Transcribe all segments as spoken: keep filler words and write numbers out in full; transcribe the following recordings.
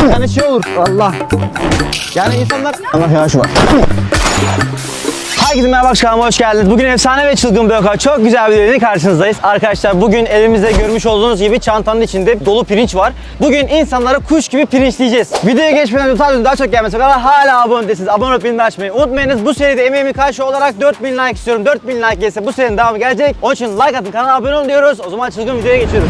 Yani şey olur. Allah. Yani insanlar... Allah yavaş var. Herkese merhaba, kanalıma hoş geldiniz. Bugün efsane ve çılgın bir vaka, çok güzel bir videoyla karşınızdayız. Arkadaşlar bugün elimizde görmüş olduğunuz gibi çantanın içinde dolu pirinç var. Bugün insanları kuş gibi pirinçleyeceğiz. Videoya geçmeden önce daha çok gelmesi kadar hala abone değilsiniz. Abone olup bildirim açmayı unutmayınız. Bu seride emeğimin karşı olarak dört bin like istiyorum. dört bin like gelirse bu serinin devamı gelecek. Onun için like atın, kanala abone olun diyoruz. O zaman çılgın videoya geçiyoruz.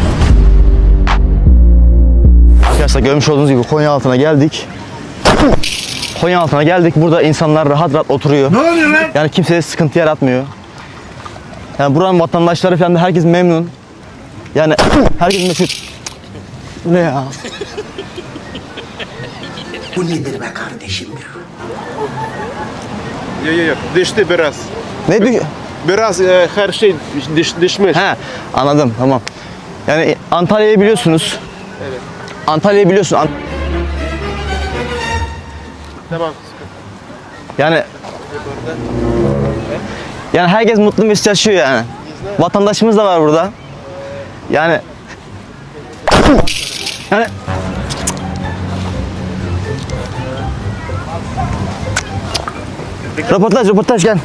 Arkadaşlar görmüş olduğunuz gibi Konyaaltı'na geldik. Konyaaltı'na geldik. Burada insanlar rahat rahat oturuyor. Ne oluyor lan? Yani kimseye sıkıntı yaratmıyor. Yani buranın vatandaşları falan da herkes memnun. Yani herkes mesut. Bu ne ya? Bu nedir be kardeşim ya? Yok yok yok, düştü biraz. Ne diyor? Biraz e, her şey düş, düşmüş. He, anladım, tamam. Yani Antalya'yı biliyorsunuz. Evet. Antalya'yı biliyorsun. Ant Tamam. yani yani herkes mutlu mesut yaşıyor yani. Vatandaşımız da var burada. Yani yani röportaj, röportaj gel.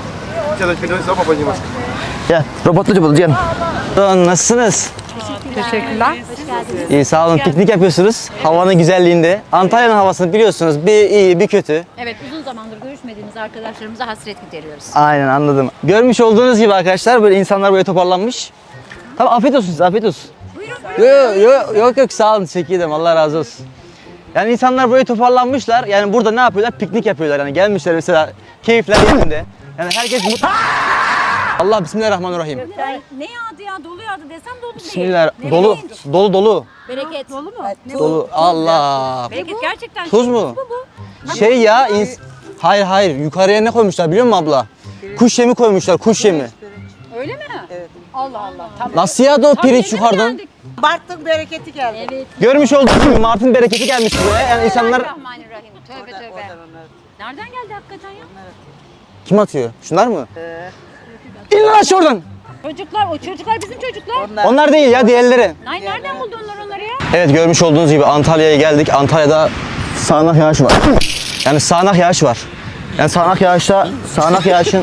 Gel, röportaj yapalım gel. Nasılsınız? Teşekkürler. İyi, sağ olun. Piknik yapıyorsunuz. Havanın güzelliğinde. Antalya'nın havasını biliyorsunuz. Bir iyi, bir kötü. Evet, uzun zamandır görüşmediğimiz arkadaşlarımıza hasret gideriyoruz. Aynen, anladım. Görmüş olduğunuz gibi arkadaşlar böyle insanlar böyle toparlanmış. Tamam, afiyet olsun size, afiyet olsun. Yok yok yok yok sağ olun, teşekkür ederim, Allah razı olsun. Yani insanlar böyle toparlanmışlar. Yani burada ne yapıyorlar? Piknik yapıyorlar. Yani gelmişler mesela, keyifler yerinde. Yani herkes mutlu. Allah, bismillahirrahmanirrahim. Ne yağdı ya? Dolu yağdı desem dolu değil. Bismillah. Ne Dolu, bileyim. dolu, dolu. Bereket. Dolu mu? Dolu. Allah. Bereket gerçekten. Tuz mu? Bu bu. Şey ya, ins- hayır hayır, yukarıya ne koymuşlar biliyor musun abla? Kuş yemi koymuşlar, kuş yemi. Öyle mi? Evet. Allah Allah. Tamam. Nasıl yağdı o pirinç Tabii, yukarıdan? geldik. Bartın bereketi geldi. Evet. Görmüş olduğunuz gibi Mart'ın bereketi gelmiş buraya. Yani insanlar... Bismillahirrahmanirrahim. Tövbe tövbe. Nereden geldi hakikaten ya? Kim atıyor? Şunlar mı? İn lan aşağı oradan! Çocuklar, o çocuklar bizim çocuklar. Onlar değil ya, diğerleri. Ay nereden buldu onlar onları ya? Evet, görmüş olduğunuz gibi Antalya'ya geldik. Antalya'da sağanak yağış var. Yani sağanak yağış var. Yani sağanak yağışta, sağanak yağışın...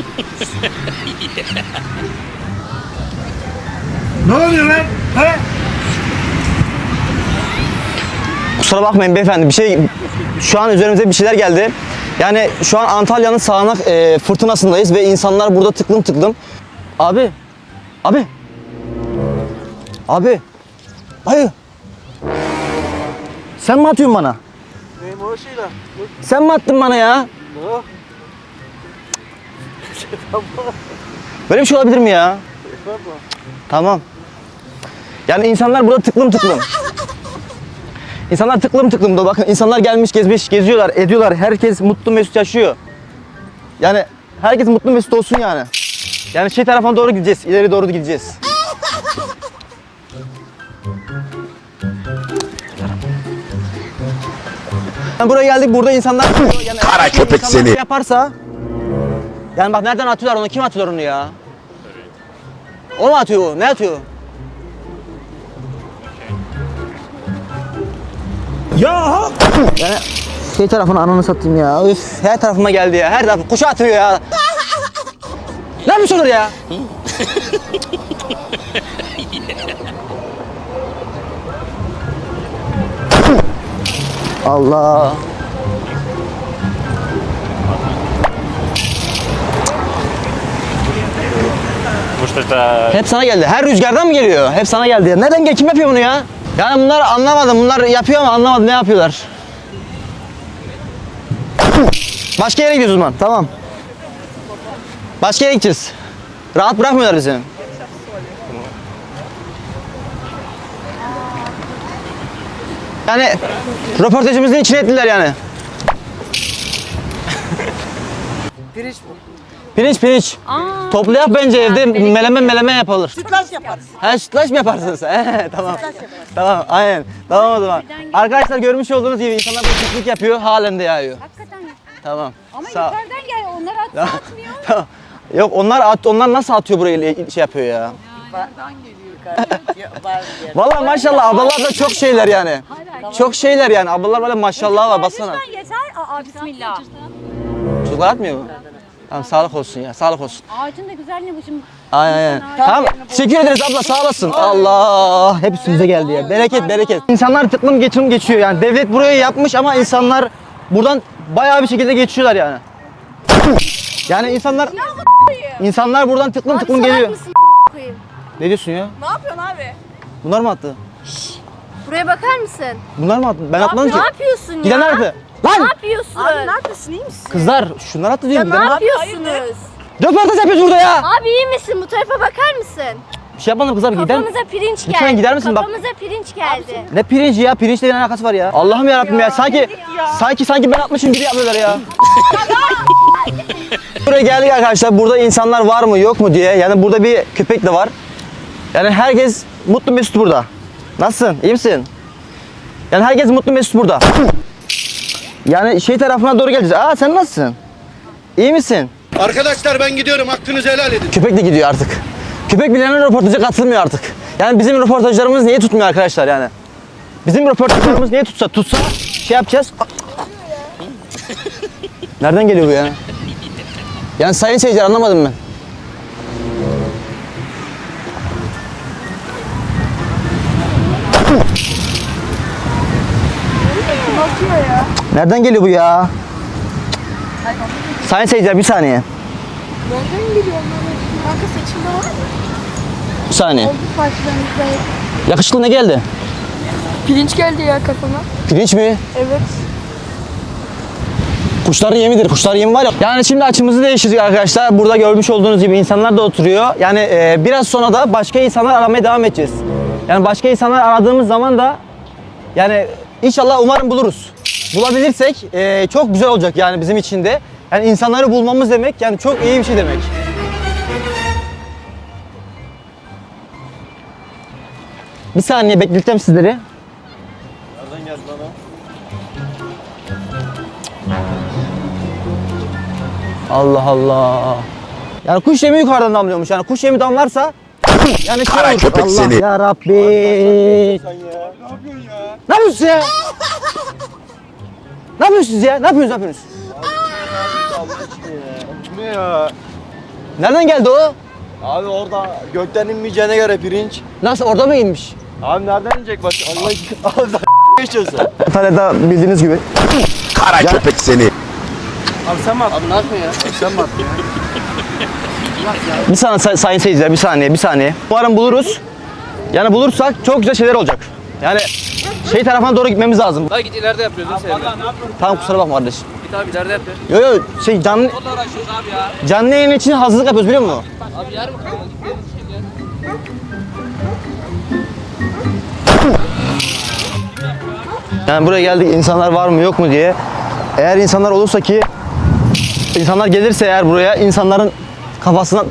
Ne oluyor lan? He? Kusura bakmayın beyefendi, bir şey... Şu an üzerimize bir şeyler geldi. Yani şu an Antalya'nın sağanak e, fırtınasındayız ve insanlar burada tıklım tıklım. Abi, abi, abi, hayır. Sen mi atıyorsun bana? Neyim o şeyler? Sen mi attın bana ya? Böyle bir şey olabilir mi ya? Tamam. Yani insanlar burada tıklım tıklım. İnsanlar tıklım tıklım da bakın, insanlar gelmiş gezmiş geziyorlar ediyorlar, herkes mutlu mesut yaşıyor. Yani herkes mutlu mesut olsun yani. Yani şey tarafına doğru gideceğiz, ileri doğru gideceğiz. Yani buraya geldik, burada insanlar yani Kara köpek insanlar seni. şey yaparsa, yani bak nereden atıyorlar onu, kim atıyor onu ya? O mu atıyor o? Ne atıyor? Ya Yani şey tarafını ananı satayım ya. Üf, her tarafıma geldi ya. Her tarafı kuşa atıyor ya. Ne yapmış olur ya? Allah. Hep sana geldi. Her rüzgardan mı geliyor? Hep sana geldi ya. Nereden gel? Kim yapıyor bunu ya? Yani bunlar anlamadım. Bunlar yapıyor ama anlamadım ne yapıyorlar. Başka yere gidiyoruz o zaman. Tamam. Başka yere gideceğiz. Rahat bırakmıyorlar bizi. Yani röportajımızın içine ettiler yani. Pirinç bu. Pirinç pirinç. Aa, Toplayak bence evde meleme meleme yapılır. Sütlaç yaparız. Ha, sütlaç mı yaparsınız? He, tamam. Tamam, aynen. Tamam o zaman. Arkadaşlar görmüş olduğunuz gibi insanlar burada piknik yapıyor, halen de yağıyor. hakikaten. Tamam. Ama Sağ- yukarıdan gel. Onlar atsa Tamam. atmıyor. Tamam. Yok, onlar at, onlar nasıl atıyor buraya şey yapıyor ya? Bardan geliyor kardeşim. Var diye. Vallahi maşallah ablalar da çok şeyler yani. Hayır hayır. Çok şeyler yani. Ablalar böyle maşallah var baksana. Lütfen yeter. Aa bismillah. Çocuklar atmıyor mu? Tamam sağlık olsun ya sağlık olsun. Ağacın da güzelliği bu şimdi. Aynen aynen. Tamam. Teşekkür ederiz abla sağ olasın. Allah hep üstümüze geldi ya. Bereket bereket. İnsanlar tıklım geçim geçiyor yani. Devlet burayı yapmış ama insanlar buradan bayağı bir şekilde geçiyorlar yani. Yani insanlar insanlar buradan tıklım tıklım geliyor. Ne diyorsun ya? Ne yapıyorsun abi? Bunlar mı attı? Buraya bakar mısın? Bunlar mı attı? Ben atmadım ki. Ne yapıyorsun ya? Giden nerede? Ne Lan! yapıyorsun? Abi ne yapıyorsun? İyi misin? Kızlar şunlar attı diyorum. Ne Giden nerede? yapıyorsunuz? Röportaj yapıyoruz burada ya. Abi iyi misin? Bu tarafa bakar mısın? Bir şey yapmadım kızlar gider. Kafamıza pirinç geldi. Lütfen gider misin? Bak- Kafamıza pirinç geldi. Ne pirinci ya? Pirinçle ne alakası var ya? Allah'ım ya Rabbim ya. Sanki sanki sanki ben atmışım gibi yapıyorlar ya. Buraya geldik arkadaşlar. Burada insanlar var mı yok mu diye. Yani burada bir köpek de var. Yani herkes mutlu mesut burada. Nasılsın? İyi misin? Yani herkes mutlu mesut burada. Yani şey tarafına doğru geleceğiz. Aa sen nasılsın? İyi misin? Arkadaşlar ben gidiyorum. Hakkınızı helal edin. Köpek de gidiyor artık. Köpek bilenin röportaja katılmıyor artık. Yani bizim röportajlarımız niye tutmuyor arkadaşlar yani? Bizim röportajlarımız niye tutsa? Tutsa şey yapacağız. Nereden geliyor bu ya? Yani sayın seyirciler anlamadım ben. Nereden geliyor bu ya? Sayın seyirciler bir saniye. Nereden geliyor onlar? Kanka seçimde var mı? Bir saniye. Partilerimizde. Yakışıklı ne geldi? Pirinç geldi ya kafama. Pirinç mi? Evet. Kuşların yemidir. Kuşlar yemi var ya. Yani şimdi açımızı değiştirdik arkadaşlar. Burada görmüş olduğunuz gibi insanlar da oturuyor. Yani e, biraz sonra da başka insanlar aramaya devam edeceğiz. Yani başka insanlar aradığımız zaman da yani inşallah umarım buluruz. Bulabilirsek e, çok güzel olacak yani bizim için de. Yani insanları bulmamız demek yani çok iyi bir şey demek. Bir saniye bekleteceğim sizleri. Nereden geldi lan o? Allah Allah. Yani kuş yemi yukarıdan damlıyormuş. Yani kuş yemi damlarsa yani şey olur. köpek Allah seni. ya Rabbi. Sen ya. Ne yapıyorsun ya? Ne yapıyorsunuz ya? Ne yapıyorsunuz ya? Ne yapıyorsunuz? Ne yapıyorsunuz? Ne ya? Nereden geldi o? Abi orada gökten inmeyeceğine göre pirinç. Nasıl orada mı inmiş? Abi nereden inecek bak? Allah Allah geçiyorsun. İtalya'da bildiğiniz gibi. Kara köpek seni. Abi sen mi attın? Abi ne yapıyorsun ya? Sen mi attın ya? Bir saniye say- sayın seyirciler bir saniye bir saniye. Umarım buluruz. Yani bulursak çok güzel şeyler olacak. Yani şey tarafına doğru gitmemiz lazım. Daha git ileride yapıyoruz değil mi? Tamam kusura bakma kardeş. Git abi ileride yapıyor. Yo yo şey canlı Onunla uğraşıyoruz abi ya. canlı yayın için hazırlık yapıyoruz biliyor musun? Abi yarım kaldı. Git şimdi ya. Yani buraya geldik insanlar var mı yok mu diye. Eğer insanlar olursa ki insanlar gelirse eğer buraya insanların kafasına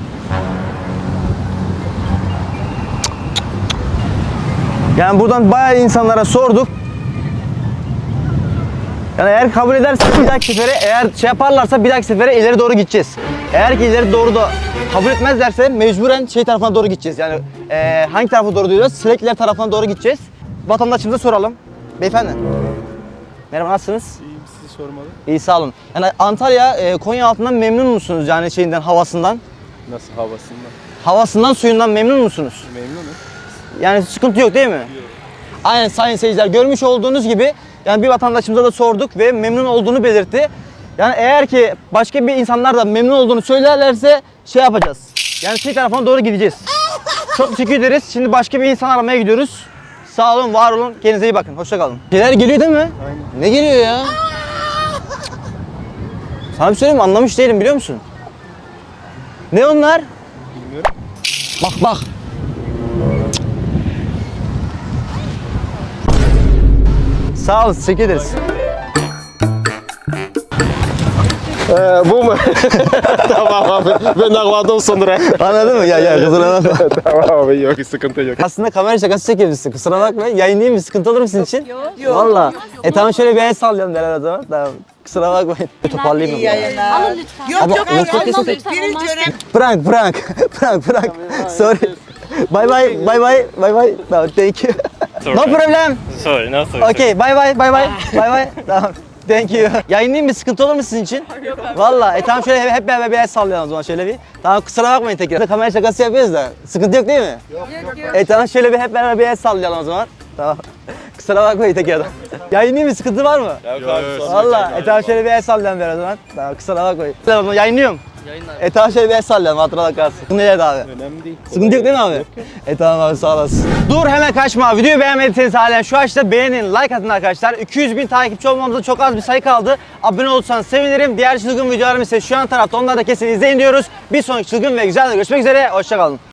yani buradan bayağı insanlara sorduk. Yani eğer kabul ederse bir dahaki sefere eğer şey yaparlarsa bir dahaki sefere ileri doğru gideceğiz. Eğer ki ileri doğru da kabul etmezlerse mecburen şey tarafına doğru gideceğiz. Yani eee, hangi tarafa doğru diyoruz? Silekliler tarafına doğru gideceğiz. Vatandaşımıza soralım. Beyefendi. Merhaba nasılsınız? İyiyim sizi sormalı. İyi sağ olun. Yani Antalya, e, Konya altından memnun musunuz yani şeyinden, havasından? Nasıl havasından? Havasından, suyundan memnun musunuz? Memnunum. Yani sıkıntı yok değil mi? Yok. Aynen sayın seyirciler görmüş olduğunuz gibi yani bir vatandaşımıza da sorduk ve memnun olduğunu belirtti. Yani eğer ki başka bir insanlar da memnun olduğunu söylerlerse şey yapacağız. Yani şey tarafına doğru gideceğiz. Çok teşekkür ederiz. Şimdi başka bir insan aramaya gidiyoruz. Sağ olun, var olun. Kendinize iyi bakın. Hoşça kalın. Şeyler geliyor değil mi? Aynen. Ne geliyor ya? Sana bir söyleyeyim mi? Anlamış değilim biliyor musun? Ne onlar? Bilmiyorum. Bak bak. Sağ olun, teşekkür ederiz. Ee, bu mu? Tamam abi. Ben anladım sonra. Anladın mı? Ya ya kusura bakma. Tamam abi yok sıkıntı yok. Aslında kamera şakası çekiyorsun. Kusura bakma. Yayınlayayım mı? Sıkıntı olur mu sizin için? Yok. Valla. E tamam şöyle bir el sallayalım beraber o zaman. Tamam. Kusura bakmayın. Toparlayayım mı? Yayınlar. Alın lütfen. Yok Ama yok yok, hayır yok, almam yok. lütfen. Pirinç önemli. Prank, prank. Prank, prank. Sorry. Bye bye, bye bye, bye bye. Tamam, thank you. No problem. Sorry, no sorry. Okay, bye bye, bye bye, bye bye. Tamam. Thank you. Yayınlayayım mı? Sıkıntı olur mu sizin için? Valla. E tamam şöyle hep, hep beraber bir el sallayalım o zaman şöyle bir. Tamam kusura bakmayın tekrar. Kamera şakası yapıyoruz da. Sıkıntı yok değil mi? Yok yok. E tamam şöyle bir hep beraber bir el sallayalım o zaman. Tamam. Kusura bakmayın tekrardan. Yayınlayayım mı? Sıkıntı var mı? Yok abi, Valla. E tamam şöyle bir el sallayalım biraz o zaman. Tamam kusura bakmayın. Tamam yayınlıyorum. Yayınlar. E tamam şöyle bir el sallayalım hatıralar kalsın. Sıkıntı yok abi. Önemli değil. Sıkıntı yok değil mi abi? E tamam abi sağ olasın. Dur hemen kaçma. Videoyu beğenmediyseniz halen şu açıda beğenin, like atın arkadaşlar. iki yüz bin takipçi olmamıza çok az bir sayı kaldı. Abone olursanız sevinirim. Diğer çılgın videolarımız ise şu an tarafta. Onları da kesin izleyin diyoruz. Bir sonraki çılgın ve güzel de görüşmek üzere. Hoşçakalın.